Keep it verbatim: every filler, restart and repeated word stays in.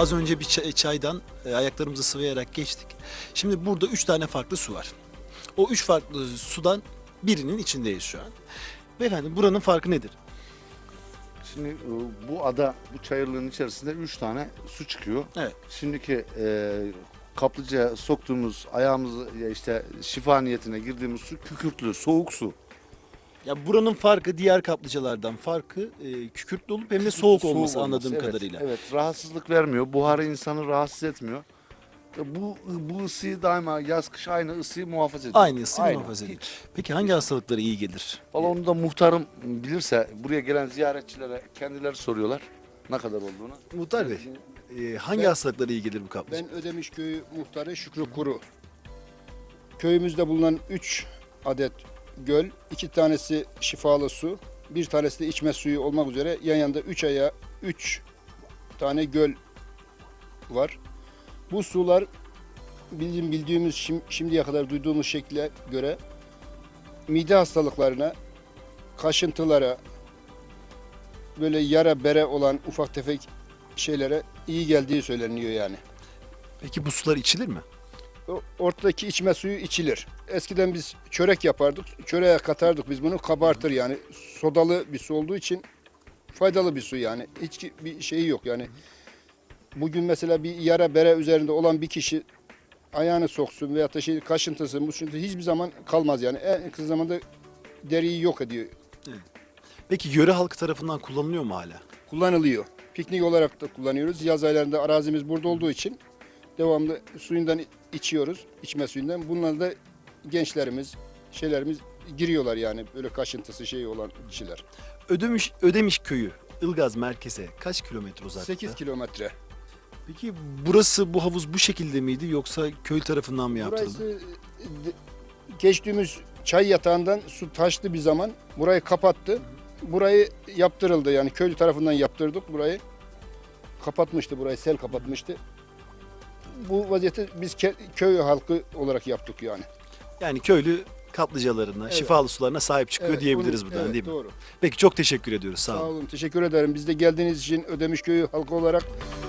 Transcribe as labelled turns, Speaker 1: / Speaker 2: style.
Speaker 1: az önce bir çay- çaydan e, ayaklarımızı sıvayarak geçtik. Şimdi burada üç tane farklı su var. O üç farklı sudan birinin içindeyiz şu an. Beyefendi buranın farkı nedir?
Speaker 2: Şimdi e, bu ada, bu çayırlığın içerisinde üç tane su çıkıyor.
Speaker 1: Evet.
Speaker 2: Şimdiki e, kaplıcaya soktuğumuz ayağımızı ya işte şifa niyetine girdiğimiz su kükürtlü, soğuk su.
Speaker 1: Ya buranın farkı diğer kaplıcalardan farkı e, kükürtlü olup hem de soğuk olması anladığım
Speaker 2: evet,
Speaker 1: kadarıyla.
Speaker 2: Evet, rahatsızlık vermiyor. Buharı insanı rahatsız etmiyor. E, Bu bu ısıyı daima yaz kış aynı ısıyı muhafaza ediyor.
Speaker 1: Aynı ısıyı muhafaza ediyor.
Speaker 2: Hiç.
Speaker 1: Peki hangi hastalıklara iyi gelir?
Speaker 2: Valla onu da muhtarım bilirse buraya gelen ziyaretçilere kendileri soruyorlar ne kadar olduğunu.
Speaker 1: Muhtar Bey, e, hangi
Speaker 3: Ben-
Speaker 1: hastalıklara iyi gelir bu kaplıca?
Speaker 3: Ben Ödemiş Köyü muhtarı Şükrü Kuru. Köyümüzde bulunan üç adet göl, iki tanesi şifalı su, bir tanesi de içme suyu olmak üzere yan yanda üç aya üç tane göl var. Bu sular bizim bildiğimiz şim- şimdiye kadar duyduğumuz şekle göre mide hastalıklarına, kaşıntılara, böyle yara bere olan ufak tefek şeylere iyi geldiği söyleniyor yani.
Speaker 1: Peki bu sular içilir mi?
Speaker 3: O ortadaki içme suyu içilir. Eskiden biz çörek yapardık. Çöreğe katardık biz bunu. Kabartır yani. Sodalı bir su olduğu için faydalı bir su yani. Hiç bir şeyi yok yani. Bugün mesela bir yara bere üzerinde olan bir kişi ayağını soksun veyahut da şey kaşıntısı, muşuntu hiçbir zaman kalmaz yani. En kısa zamanda deriyi yok ediyor.
Speaker 1: Peki yöre halkı tarafından kullanılıyor mu hala?
Speaker 3: Kullanılıyor. Piknik olarak da kullanıyoruz. Yaz aylarında arazimiz burada olduğu için devamlı suyundan içiyoruz, içme suyundan. Bunlar da gençlerimiz, şeylerimiz giriyorlar yani böyle kaşıntısı şey olan kişiler.
Speaker 1: Ödemiş, Ödemiş köyü Ilgaz merkeze kaç kilometre uzaklıkta?
Speaker 3: sekiz kilometre.
Speaker 1: Peki burası, bu havuz bu şekilde miydi yoksa köy tarafından mı yaptırıldı?
Speaker 3: Burası e, geçtiğimiz çay yatağından su taştı bir zaman. Burayı kapattı. Burayı yaptırıldı yani köylü tarafından yaptırdık burayı. Kapatmıştı burayı, sel kapatmıştı. Bu vaziyeti biz ke- köy halkı olarak yaptık yani.
Speaker 1: Yani köylü kaplıcalarına,
Speaker 3: Evet.
Speaker 1: şifalı sularına sahip çıkıyor
Speaker 3: Evet,
Speaker 1: diyebiliriz
Speaker 3: bunu-
Speaker 1: buradan
Speaker 3: evet,
Speaker 1: değil mi?
Speaker 3: Doğru.
Speaker 1: Peki çok teşekkür ediyoruz. Sağ
Speaker 3: Sağ
Speaker 1: olun.
Speaker 3: olun. Teşekkür ederim. Biz de geldiğiniz için Ödemiş Köyü halkı olarak